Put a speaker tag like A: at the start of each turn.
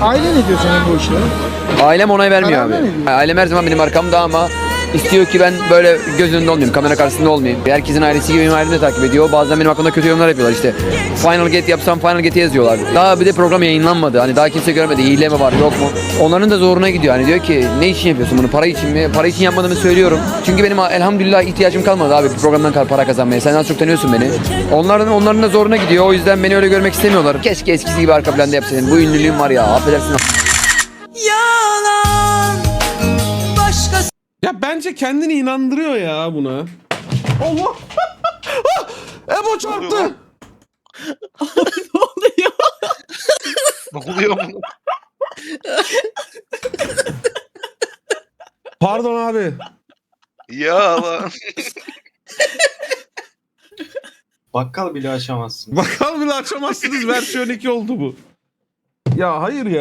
A: Aile ne diyor senin bu işlere?
B: Ailem onay vermiyor
A: Karar
B: abi.
A: vermiyor.
B: Ailem her zaman benim arkamda ama istiyor ki ben böyle göz önünde olmayayım, kamera karşısında olmayayım. Herkesin ailesi gibi benim ailem de takip ediyor. Bazen benim hakkında kötü yorumlar yapıyorlar işte. Final Get yapsam Final Get'i yazıyorlar. Daha bir de program yayınlanmadı. Hani daha kimse görmedi. Hile mi var yok mu? Onların da zoruna gidiyor. Hani diyor ki ne için yapıyorsun bunu? Para için mi? Para için yapmadığımı söylüyorum. Çünkü benim elhamdülillah ihtiyacım kalmadı abi programdan para kazanmaya. Sen az çok tanıyorsun beni. Onların da zoruna gidiyor. O yüzden beni öyle görmek istemiyorlar. Keşke eskisi gibi arka planda yapsaydın. Bu ünlülüğüm var ya. Affedersin.
C: Yalan başka.
D: Ya bence kendini inandırıyor ya buna. Allah! Ebo çarptı.
E: Ne oluyor mu?
D: Pardon abi.
E: Ya lan.
F: Bakkal bile açamazsın.
D: Bakalım bile açamazsınız versiyon 2 oldu bu. Ya hayır ya.